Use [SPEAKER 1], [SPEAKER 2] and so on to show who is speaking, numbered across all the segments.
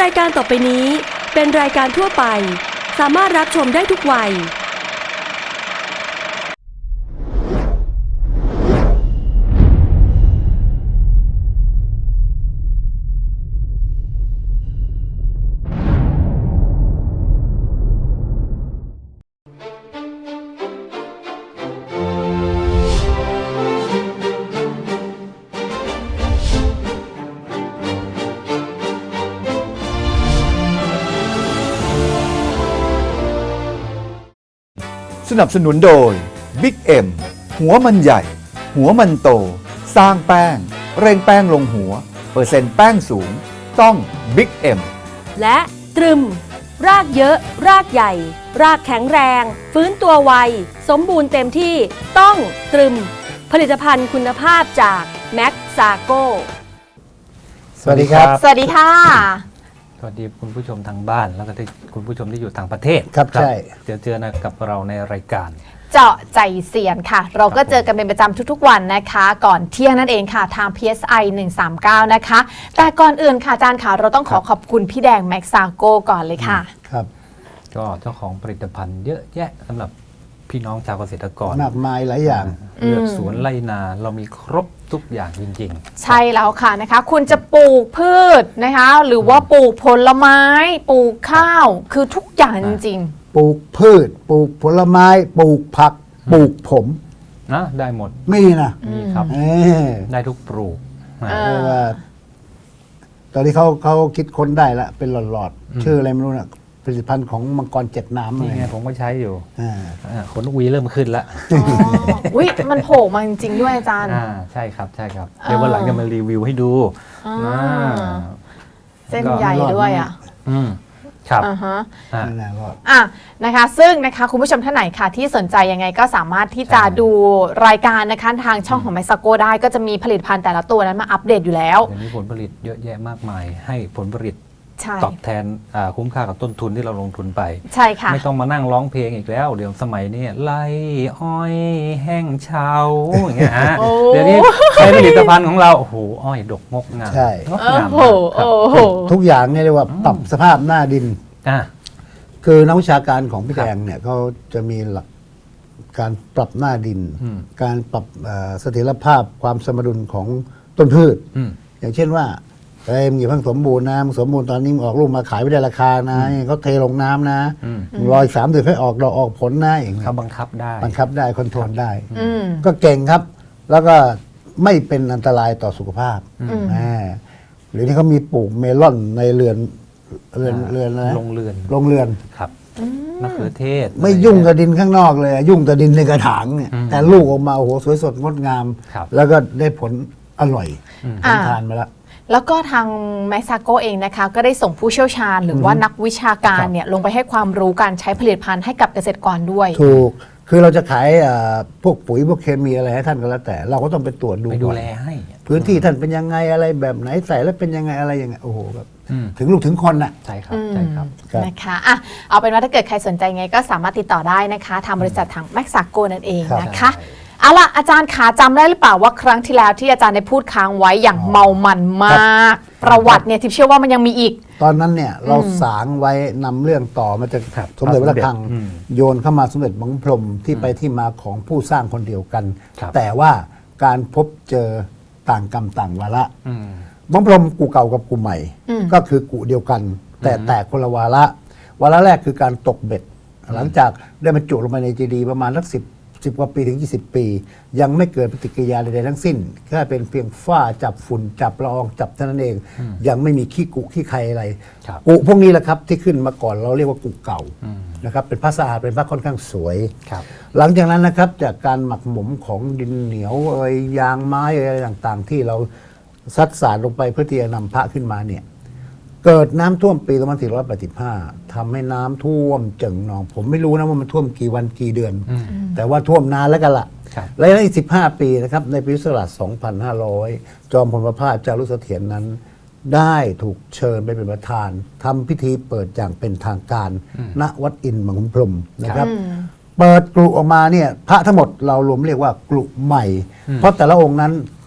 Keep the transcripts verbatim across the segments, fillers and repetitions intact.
[SPEAKER 1] รายการต่อไปนี้เป็นรายการทั่วไปสามารถรับชมได้ทุกวัย
[SPEAKER 2] สนับสนุนโดย บิ๊ก เอ็ม หัวมันใหญ่ หัวมันโต สร้างแป้ง เร่งแป้งลงหัว เปอร์เซ็นต์แป้งสูง ต้อง บิ๊ก เอ็ม
[SPEAKER 1] และตรึมรากเยอะรากใหญ่ รากแข็งแรง ฟื้นตัวไว สมบูรณ์เต็มที่ต้องตรึมผลิตภัณฑ์คุณภาพจากแม็กซาโก
[SPEAKER 3] สวัสดีครับ
[SPEAKER 4] สวัสดีค่ะ
[SPEAKER 3] สวัสดีคุณผู้ชมทางบ้านแล้วก็ที่คุณผู้ชมที่อยู่ต่างประเทศ
[SPEAKER 4] ครับใช่
[SPEAKER 3] เจอเจอนะกับเราในรายการ
[SPEAKER 4] เจาะใจเสียนค่ะ เราก็เจอกันเป็นประจำทุกๆวันนะคะ ก่อนเที่ยงนั่นเองค่ะทาง พี เอส ไอ หนึ่งสามเก้านะคะแต่ก่อนอื่นค่ะอาจารย์ค่ะเราต้องขอขอบคุณพี่แดงแม็กซาโกก่อนเลยค่ะ
[SPEAKER 5] ครับ
[SPEAKER 3] ก็เจ้าของผลิตภัณฑ์เยอะแยะสำหรับพี่น้องชาวเกษตรกร
[SPEAKER 5] มากมายหลายอย่าง
[SPEAKER 3] เลือกสวนไร่นาเรามีครบทุกอย่างจริง
[SPEAKER 4] ๆใช่แล้วค่ะนะคะคุณจะปลูกพืชนะคะหรือว่าปลูกผลไม้ปลูกข้าวคือทุกอย่างจริง
[SPEAKER 5] ๆปลูกพืชปลูกผลไม้ปลูกผักปลูกผม
[SPEAKER 3] นะได้หมด
[SPEAKER 5] มีนะ
[SPEAKER 3] มีครับได้ทุกปลูก
[SPEAKER 5] ว่าตอนนี้เขาเขาคิดค้นได้ละเป็นหลอดๆชื่ออะไรไม่รู้นะผลิตภัณฑ์ของมังกรเจ็ดน้ำ
[SPEAKER 3] นี่ไงผมก็ใช้อยู่ขนวีเริ่มขึ้นแล้ว
[SPEAKER 4] อุ้ยมันโผล่มาจริงๆด้วยอาจารย์
[SPEAKER 3] ใช่ครับใช่ครับเดี๋ยววันหลังจะมารีวิวให้ดู
[SPEAKER 4] เส้นใหญ่ด้วยอ่ะ
[SPEAKER 3] อืมครับ
[SPEAKER 4] อ่าฮะอ่ะนะคะซึ่งนะคะคุณผู้ชมท่านไหนค่ะที่สนใจยังไงก็สามารถที่จะดูรายการนะคะทางช่องของแม็กซาโกได้ก็จะมีผลิตภัณฑ์แต่ละตัวนั้นมาอัปเดตอยู่แล้ว
[SPEAKER 3] เดี๋ยวนี้ผลผลิตเยอะแยะมากมายให้ผลผลิตตอบแทนคุ้มค่ากับต้นทุนที่เราลงทุนไป
[SPEAKER 4] ใช่ค่ะ
[SPEAKER 3] ไม่ต้องมานั่งร้องเพลงอีกแล้วเดี๋ยวสมัยนี้ไล่อ้อยแห้งเฉาอย่างเงี้ยฮะเดี๋ยวนี้ใช้ผลิตภัณฑ์ของเราโอ้โหอ้อยดกงกงาม
[SPEAKER 5] ใช่
[SPEAKER 3] งดงาม
[SPEAKER 5] ทุกอย่างเนี่ยเรียกว่าปรับสภาพหน้าดินคือนักวิชาการของพี่แดงเนี่ยเขาจะมีหลักการปรับหน้าดินการปรับเสถียรภาพความสมดุลของต้นพืชอย่างเช่นว่าเอ้ยมึงอย่าเพิ่งสมบูรณ์นะมึงสมบูรณ์ตอนนี้มึงออกลูกมาขายไม่ได้ราคานะเขาเทลงน้ำนะรอยสามเดือนให้ออกดอกออกผลนะอย่างเงี้ย
[SPEAKER 3] เขาบังคับได้
[SPEAKER 5] บังคับได้คอนโทรลได้ก็เก่งครับ แล้วก็ไม่เป็นอันตรายต่อสุขภาพหรือที่เขามีปลูกเมลอนในเรือนเรือนเรือนอะไร
[SPEAKER 3] ลงเรือน
[SPEAKER 5] ลงเรือน
[SPEAKER 3] ครับมะเขือเทศ
[SPEAKER 5] ไม่ยุ่งกับดินข้างนอกเลยยุ่งแต่ดินในกระถางเนี่ยแต่ลูกออกมาโอ้โหสวยสดงดงามแล้วก็ได้ผลอร่อยทานมาแล้ว
[SPEAKER 4] แล้วก็ทางแม็กซาโกเองนะคะก็ได้ส่งผู้เชี่ยวชาญหรือว่านักวิชาการเนี่ยลงไปให้ความรู้การใช้ผลิตภัณฑ์ให้กับเกษตรกรด้วย
[SPEAKER 5] ถูกคือเราจะขายพวกปุ๋ยพวกเคมีอะไรให้ท่านก็แล้วแต่เราก็ต้องไปตรวจดู
[SPEAKER 3] ไปดูแลให้
[SPEAKER 5] พื้นที่ท่านเป็นยังไงอะไรแบบไหนใส่แล้วเป็นยังไงอะไรยังไงโอ้โหแบบถึงลูกถึงคนน่ะ
[SPEAKER 3] ใช่ครับใช่ครับ
[SPEAKER 4] นะคะอ่ะเอาเป็นว่าถ้าเกิดใครสนใจไงก็สามารถติดต่อได้นะคะทางบริษัททางแม็กซาโกนั่นเองนะคะเอาล่ะอาจารย์ขาจำได้หรือเปล่าว่าครั้งที่แล้วที่อาจารย์ได้พูดค้างไว้อย่างเมามันมากประวัติเนี่ยทิพย์เชื่อว่ามันยังมีอีก
[SPEAKER 5] ตอนนั้นเนี่ยเราสางไว้นำเรื่องต่อมาจากสมเด็จพระระฆังโยนเข้ามาสมเด็จบังพรมที่ไปที่มาของผู้สร้างคนเดียวกันแต่ว่าการพบเจอต่างกรรมต่างวาระบังพรมกูเก่ากับกูใหม่ก็คือกูเดียวกันแต่แตกคนละวาระวาระแรกคือการตกเบ็ดหลังจากได้บรรจุลงไปในเจดีย์ประมาณสักสิบสิบกว่าปีถึงยี่สิบปียังไม่เกิดปฏิกิริยาใดๆทั้งสิ้นแค่เป็นเพียงฝ้าจับฝุ่นจับละอองจับเท่านั้นเองยังไม่มีขี้กุขี้ใครอะไรกุพวกนี้แหละครับที่ขึ้นมาก่อนเราเรียกว่ากุเก่านะครับเป็นพระสะอาดเป็นพระค่อนข้างสวยหลังจากนั้นนะครับจากการหมักหมมของดินเหนียวเอ่ยยางไม้อะไรต่างๆที่เราซัดสารลงไปเพื่อที่จะนำพระขึ้นมาเนี่ยเกิดน้ำท่วมปีสองพันสี่ร้อยแปดสิบห้าทำให้น้ำท่วมเจิ่งนองผมไม่รู้นะว่ามันท่วมกี่วันกี่เดือนแต่ว่าท่วมนานแล้วกันละและในอีกสิบห้าปีนะครับในปีพุทธศักราชสองพันห้าร้อยจอมพลประภาสจารุเสถียรนั้นได้ถูกเชิญไปเป็นประธานทำพิธีเปิดอย่างเป็นทางการณวัดอินทร์มังคุพรหมนะครับเปิดกรุออกมาเนี่ยพระทั้งหมดเรารวมเรียกว่ากรุใหม่เพราะแต่ละองค์นั้นป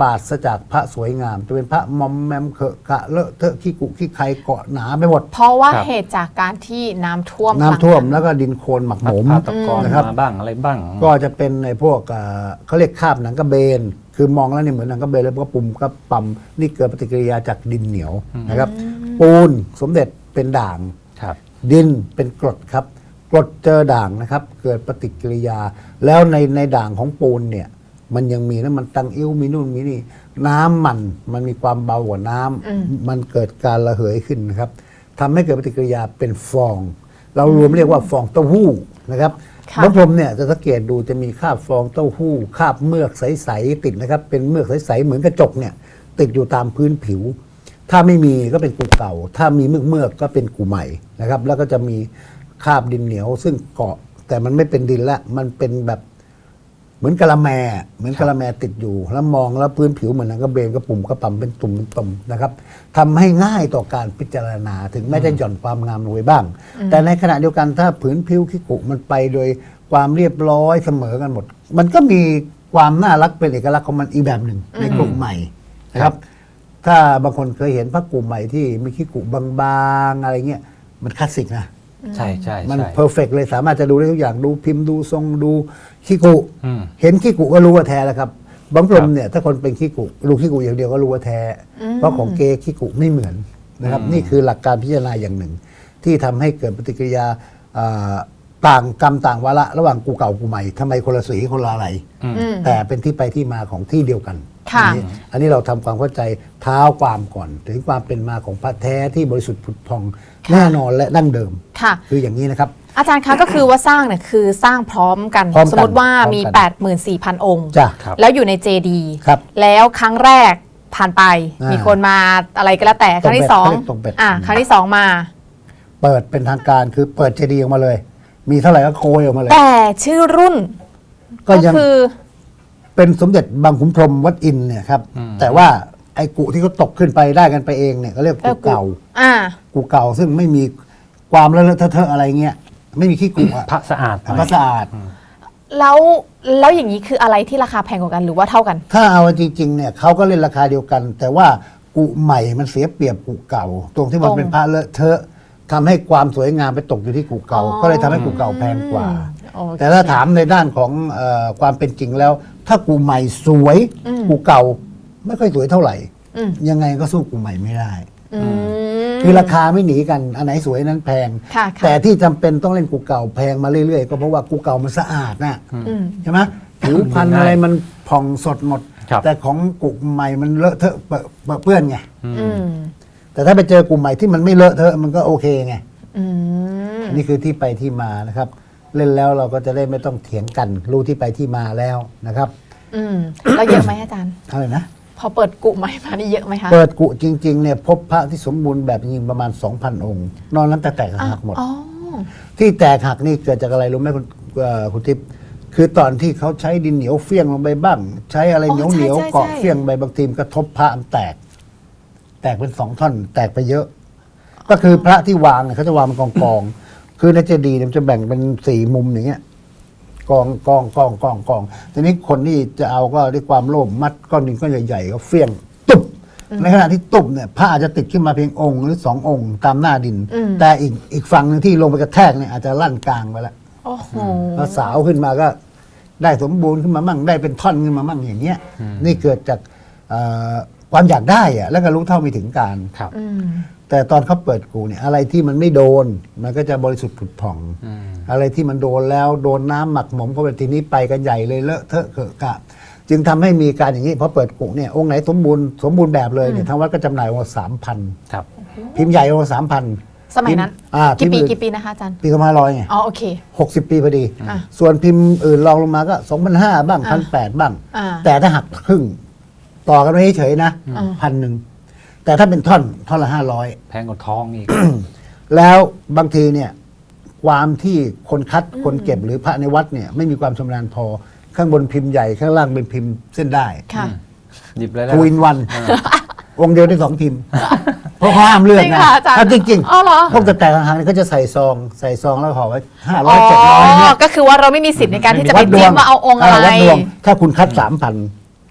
[SPEAKER 5] ปราศจากพระสวยงาม จะเป็นพระมอมแมมเขอะกะเลอะเทอะขี้กุขี้ใครเกาะหนาไปหมด
[SPEAKER 4] เพราะว่า
[SPEAKER 3] ครับ
[SPEAKER 4] เหตุจากการที่น้ำท่วม
[SPEAKER 5] น้ำท่วม
[SPEAKER 4] ครั้ง
[SPEAKER 5] แล้วก็ดินโคลนหมักหมม
[SPEAKER 3] พาตะกอน
[SPEAKER 5] นะครับ
[SPEAKER 3] มาบ้างอะไรบ้าง
[SPEAKER 5] ก็จะเป็นในพวกเอ่อเขาเรียกคราบหนังกระเบน คือมองแล้วเนี่ยเหมือนหนังกระเบนแล้วก็ปุ่มก็ปั๊มนี่เกิดปฏิกิริยาจากดินเหนียวนะครับ ปูนสมเด็จเป็นด่าง
[SPEAKER 3] ครับ
[SPEAKER 5] ดินเป็นกรดครับกรดเจอด่างนะครับ เกิดปฏิกิริยา แล้วในในด่างของปูนเนี่ยมันยังมีน้ำมันตังอิ้วมีนู่นมีนี่ น้ำมันมันมีความเบากว่าน้ำมันเกิดการระเหยขึ้นนะครับทำให้เกิดปฏิกิริยาเป็นฟอง เรารวมเรียกว่าฟองเต้าหู้นะครับ
[SPEAKER 4] ค่ะ
[SPEAKER 5] น้ำพรมเนี่ยจะสังเกตดูจะมีคราบฟองเต้าหู้คราบเมือกใสๆติดนะครับ เป็นเมือกใสๆเหมือนกระจกเนี่ยติดอยู่ตามพื้นผิว ถ้าไม่มีก็เป็นกูเก่า ถ้ามีเมือกเมือกๆก็เป็นกูใหม่นะครับ แล้วก็จะมีคราบดินเหนียว ซึ่งเกาะแต่มันไม่เป็นดินละมันเป็นแบบเหมือนกะละแม เหมือนกะละแมติดอยู่ แล้วมองแล้วพื้นผิวเหมือนหนังกระเบนกระปุ่มกระปั่มเป็นตุ่มเป็นตุ่มนะครับทำให้ง่ายต่อการพิจารณาถึงแม้จะหย่อนความงามลงไปบ้าง แต่ในขณะเดียวกันถ้าผืนผิวขี้กุมันไปโดยความเรียบร้อยเสมอกันหมด มันก็มีความน่ารักเป็นเอกลักษณ์ของมันอีกแบบหนึ่งในกลุ่มใหม่นะครับ ถ้าบางคนเคยเห็นพระกลุ่มใหม่ที่มีขี้กุบางๆอะไรเงี้ยมันคลาสสิกนะ
[SPEAKER 3] ใช่ใช่
[SPEAKER 5] มัน
[SPEAKER 3] ใช่
[SPEAKER 5] เพอร์เฟกเลยสามารถจะดูได้ทุกอย่างดูพิมพ์ดูทรงดูขี้กุ
[SPEAKER 3] อืม
[SPEAKER 5] เห็นขี้กุก็รู้ว่าแท้แล้วครับบางกลมเนี่ยถ้าคนเป็นขี้กุดูขี้กุอย่างเดียวก็รู้ว่าแท้ เพราะของเกขี้กุไม่เหมือนนะครับ
[SPEAKER 3] อืม
[SPEAKER 5] นี่คือหลักการพิจารณาอย่างหนึ่ง ที่ทำให้เกิดปฏิกิริยาอ่าต่างกรรมต่างวาระระหว่างกูเก่ากูใหม่ทำไมคนละสีคนละอะไร
[SPEAKER 3] อืม
[SPEAKER 4] อืม
[SPEAKER 5] แต่เป็นที่ไปที่มาของที่เดียวกัน
[SPEAKER 4] ค่ะ
[SPEAKER 5] อันนี้อันนี้เราทำความเข้าใจเท้าความก่อน ถึงความเป็นมาของพระแท้ที่บริสุทธิ์ผุดพอง
[SPEAKER 4] ค่ะ
[SPEAKER 5] แน่นอนและดั้งเดิม
[SPEAKER 4] ค่ะ
[SPEAKER 5] คืออย่างนี้นะครับ
[SPEAKER 4] อาจารย์คะก็คือว่าสร้างเนี่ยคือสร้างพร้อมกัน
[SPEAKER 5] พร้อมกัน
[SPEAKER 4] สมมติว่ามี
[SPEAKER 5] พร้อมกัน
[SPEAKER 4] แปดหมื่นสี่พัน องค์
[SPEAKER 5] จ้ะ
[SPEAKER 3] ครับ
[SPEAKER 4] แล้วอยู่ในเจดี
[SPEAKER 5] ครับ
[SPEAKER 4] แล้วครั้งแรกผ่านไป
[SPEAKER 5] อ่ามี
[SPEAKER 4] มีคนมาอะไรก็แล้วแต่ครั้งที่สอง
[SPEAKER 5] ตรงเป็ด
[SPEAKER 4] อ่า
[SPEAKER 5] อืม
[SPEAKER 4] ครั้งที่สองมา
[SPEAKER 5] เปิดเป็นทางการคือเปิดเจดีย์ออกมาเลย มีเท่าไหร่ก็โกยออกมาเลย
[SPEAKER 4] แต่ชื่อรุ่น
[SPEAKER 5] ก็
[SPEAKER 4] ก็
[SPEAKER 5] ยัง
[SPEAKER 4] คือ
[SPEAKER 5] เป็นสมเด็จบางขุนพรหมวัดอินทร์เนี่ยครับ
[SPEAKER 3] อืม
[SPEAKER 5] แต่ว่าไอ้กุที่เขาตกขึ้นไปได้กันไปเองเนี่ยเขาเรียกกุเก่า
[SPEAKER 4] อ่า
[SPEAKER 5] กุเก่าซึ่งไม่มีความเลอะเทอะอะไรเงี้ยไม่มีขี้กุอะ
[SPEAKER 3] พระสะอาดหน่อย
[SPEAKER 5] พระสะอาด
[SPEAKER 4] แล้วแล้วอย่างนี้คืออะไรที่ราคาแพงกว่ากันหรือว่าเท่ากัน
[SPEAKER 5] ถ้าเอาจริงๆเนี่ยเขาก็เล่นราคาเดียวกัน แต่ว่ากุใหม่มันเสียเปรียบกุเก่า ตรงที่มัน
[SPEAKER 4] ตรง
[SPEAKER 5] เป็นพระเลอะเทอะทำให้ความสวยงามไปตกอยู่ที่กุเก่า
[SPEAKER 4] อ๋อ
[SPEAKER 5] ก็เลยทำให้กุเก่าแพงกว่า
[SPEAKER 4] โอเค
[SPEAKER 5] แต่ถ้าถามในด้านของเออความเป็นจริงแล้ว ถ้ากุใหม่สวย
[SPEAKER 4] อืม
[SPEAKER 5] กุเก่าไม่ค่อยสวยเท่าไหร่
[SPEAKER 4] อืม
[SPEAKER 5] ยังไงก็สู้กุใหม่ไม่ได้
[SPEAKER 4] อืม
[SPEAKER 5] คือราคาไม่หนีกันอันไหนสวยนั้นแพง
[SPEAKER 4] ค่ะค่ะ
[SPEAKER 5] แต่ที่จำเป็นต้องเล่นกุเก่าแพงมาเรื่อยๆก็เพราะว่ากุเก่ามันสะอาดนะ
[SPEAKER 4] อืม
[SPEAKER 5] ใช่ไหมผิวพรรณอะไรมันผ่องสดหมด
[SPEAKER 3] ครับ
[SPEAKER 5] แต่ของกุใหม่มันเลอะเทอะเปอะเปอะเปื้อนไง
[SPEAKER 4] อืม
[SPEAKER 5] แต่ถ้าไปเจอกลุ่มใหม่ที่มันไม่เลอะเทอะมันก็โอเคไง
[SPEAKER 4] อืม
[SPEAKER 5] นี่คือที่ไปที่มานะครับ เล่นแล้วเราก็จะได้ไม่ต้องเถียงกัน รู้ที่ไปที่มาแล้วนะครับ
[SPEAKER 4] อืมแล้วเยอะไหมอาจารย์
[SPEAKER 5] อะไรนะ
[SPEAKER 4] พอเปิดกุใหม่มานี่เยอะไหมคะ
[SPEAKER 5] เปิดกุจริงๆเนี่ยพบพระที่สมบูรณ์แบบจริงๆประมาณ สองพัน องค์ นอกนั้นแต่แตกหักหมด
[SPEAKER 4] อ๋อ
[SPEAKER 5] ที่แตกหักนี่เกิดจากอะไรรู้ไหมคุณเอ่อคุณทิพย์คือตอนที่เขาใช้ดินเหนียวเฟี้ยงลงไปบ้าง ใช้อะไรเหนียว
[SPEAKER 4] อ๋อ
[SPEAKER 5] เห
[SPEAKER 4] ใช่
[SPEAKER 5] นียว
[SPEAKER 4] ใช่
[SPEAKER 5] เกาะ
[SPEAKER 4] ใช่
[SPEAKER 5] เฟี้ยงไปบางทีมนกระทบพระมันแตก แตกเป็นสองท่อน แตกไปเยอะ ก็คือพระที่วางเนี่ยเขาจะวางเป็นกองกองๆคือในเจดีย์เนี่ยมันจะแบ่งเป็นสี่มุมอย่างเงี้ยกองกองกองกองกองทีนี้คนที่จะเอาก็ด้วยความโลภมัดก้อนดินก้อนใหญ่ๆก็เฟี้ยงตุบในขณะที่ตุบเนี่ยพระอาจจะติดขึ้นมาเพียงองค์หรือสององค์ตามหน้าดิน
[SPEAKER 4] อืม
[SPEAKER 5] แต่อีกอีกฝั่งหนึงที่ลงไปกระแทกเนี่ยอาจจะลั่นกลางไปแล้ว
[SPEAKER 4] โอ้โห
[SPEAKER 5] แล้วสาวขึ้นมาก็ได้สมบูรณ์ขึ้นมามั่งได้เป็นท่อนขึ้นมามั่งอย่างเงี้ย นี่เกิดจากเอ่อความอยากได้อะแล้วก็รู้เท่าไม่ถึงการ
[SPEAKER 3] ครับ
[SPEAKER 4] อืม
[SPEAKER 5] แต่ตอนเขาเปิดกูเนี่ยอะไรที่มันไม่โดน มันก็จะบริสุทธิ์ผุดผ่อง
[SPEAKER 3] อืม
[SPEAKER 5] อะไรที่มันโดนแล้วโดนน้ำหมักหมมเข้าไปทีนี้ไปกันใหญ่เลยเลอะเทอะเกอะกะ จึงทำให้มีการอย่างนี้พอเปิดกูเนี่ยองค์ไหนสมบูรณ์สมบูรณ์แบบเลยเนี่ยทางวัดก็จำหน่ายวันสามพัน
[SPEAKER 3] ครับ
[SPEAKER 5] พิมพ์ใหญ่วันสามพัน
[SPEAKER 4] สมัยนั้น
[SPEAKER 5] อ่า
[SPEAKER 4] กี่ปี
[SPEAKER 5] พิมพ์อื่น
[SPEAKER 4] กี่ปีนะคะอาจารย์
[SPEAKER 5] ปีสองพันห้าร้อยไง
[SPEAKER 4] อ๋อโอเค
[SPEAKER 5] หกสิบปีพอดี
[SPEAKER 4] อ่ะ
[SPEAKER 5] ส่วนพิมพ์อื่นรองลงมาก็สองพันห้าบ้างพันแปดบ้าง
[SPEAKER 4] อ่า
[SPEAKER 5] แต่ถ้าหักครึ่ง ต่อกันไม่เฉยๆนะ
[SPEAKER 4] อืม
[SPEAKER 5] พันหนึ่ง แต่ถ้าเป็นท่อนท่อนละห้าร้อย
[SPEAKER 3] แพงกว่าทองอีก
[SPEAKER 5] แล้วบางทีเนี่ย ความที่คนคัดคนเก็บหรือพระในวัดเนี่ย ไม่มีความชำนาญพอ ข้างบนพิมพ์ใหญ่ ข้างล่างเป็นพิมพ์เส้นได้
[SPEAKER 4] ค่ะ
[SPEAKER 3] หยิบเลยแล้ว
[SPEAKER 5] ทูอินวันองค์เดียวได้สองพิมพ์ เพราะเขาห้ามเลือก
[SPEAKER 4] จริง
[SPEAKER 5] นะ
[SPEAKER 4] เหรออาจารย์
[SPEAKER 5] ถ้าจริง
[SPEAKER 4] อ๋อเหรอ
[SPEAKER 5] พวกแต่แต่ทางๆนี่เขาจะใส่ซองใส่ซองแล้วห่อไว้ห้าร้
[SPEAKER 4] อ๋
[SPEAKER 5] อยเจ็ดร้อยเนี่
[SPEAKER 4] อย ก็คือว่าเราไม่มีสิทธิ์ในการที่จะไป
[SPEAKER 5] วัดด
[SPEAKER 4] จิ้
[SPEAKER 5] ว
[SPEAKER 4] ม
[SPEAKER 5] ง
[SPEAKER 4] ว่าเอาองค์อะไร
[SPEAKER 5] วัดดวง ถ้าคุณคัดสามพัน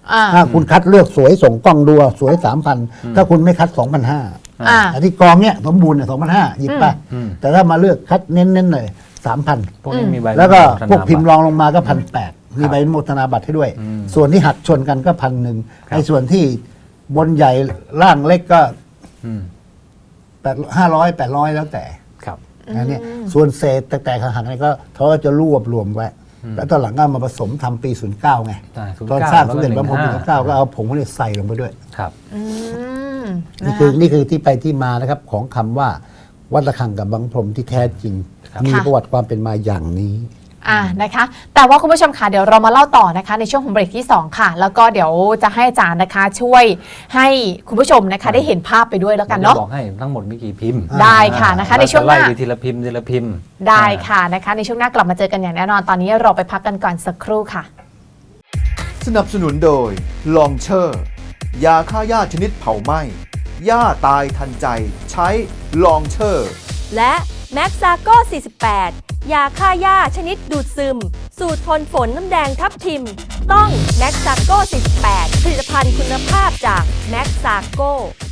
[SPEAKER 4] อ่า
[SPEAKER 5] ถ้าคุณคัดเลือกสวยส่งกล้องดูสวยสามพันถ้าคุณไม่คัดสองพันห้า
[SPEAKER 4] อ่า
[SPEAKER 5] อันที่กองเนี้ยสมบูรณ์เนี่ยสองพันห้าหยิบไป
[SPEAKER 3] อืม
[SPEAKER 5] แต่ถ้ามาเลือกคัดเน้นๆหน่อยสามพัน
[SPEAKER 3] พวกนี้มีใบ
[SPEAKER 5] แล้วก็
[SPEAKER 3] ธนา
[SPEAKER 5] พวกพิมพ์ร
[SPEAKER 3] บัต
[SPEAKER 5] องลงมาก็พันแปดมีใบอนุโมทนาบัตรให้ด้วย
[SPEAKER 3] อืม
[SPEAKER 5] ส่วนที่หักชนกันก็พันหนึ่ง
[SPEAKER 3] ครับ
[SPEAKER 5] ในส่วนที่บนใหญ่ล่างเล็กก็
[SPEAKER 3] อืม
[SPEAKER 5] แปดห้าร้อยแปดร้อยแล้วแต่
[SPEAKER 3] ครับ
[SPEAKER 5] นะเนี่ยส่วนเศษแตกๆหักๆอะไรก็เขาก็จะรวบรวมไว้ แล้วตอนหลังก็มาผสมทำปีศูนย์เก้าไง
[SPEAKER 3] ใช่
[SPEAKER 5] ตอน
[SPEAKER 3] ศูนย์เก้า
[SPEAKER 5] สร้างสมเด็จพระพรหม
[SPEAKER 3] แล้วก็
[SPEAKER 5] ศูนย์เก้าก็เอาผงพวกนี้ใส่ลงไปด้วย
[SPEAKER 3] ครับ
[SPEAKER 4] อืม
[SPEAKER 5] นี่คือนี่คือที่ไปที่มานะครับของคำว่าวัดระฆังกับบังพรหมที่แท้จริง
[SPEAKER 3] ครับ
[SPEAKER 5] มี
[SPEAKER 4] ค่ะ
[SPEAKER 5] ประวัติความเป็นมาอย่างนี้
[SPEAKER 4] อ่านะคะ แต่ว่าคุณผู้ชมค่ะเดี๋ยวเรามาเล่าต่อนะคะในช่วงของเบรกที่สองค่ะ แล้วก็เดี๋ยวจะให้อาจารย์นะคะ ช่วยให้คุณผู้ชมนะคะ ได้เห็นภาพไปด้วยแล้วกัน
[SPEAKER 3] ดี๋ยว
[SPEAKER 4] เนาะ
[SPEAKER 3] จะบอกให้ทั้งหมดมีกี่พิมพ์
[SPEAKER 4] ได้ค่ะนะคะในช่วงห
[SPEAKER 3] ไล่
[SPEAKER 4] น้า
[SPEAKER 3] ไปทีละพิมพ์ทีละพิมพ์
[SPEAKER 4] ได้ค่ะนะคะ ในช่วงหน้ากลับมาเจอกันอย่างแน่นอนตอนนี้เราไปพักกันก่อนสักครู่ค่ะ
[SPEAKER 2] สนับสนุนโดยลองเชอร์ ยาฆ่าหญ้าชนิดเผาไหม้หญ้าตายทันใจใช้ลองเชอร์
[SPEAKER 1] และแม็กซาโก้สี่สิบแปดยาฆ่าหญ้าชนิดดูดซึม สูตรทนฝนน้ำแดงทับทิม ต้องแม็กซาโก้สี่สิบแปดผลิตภัณฑ์คุณภาพจากแม็กซาโก้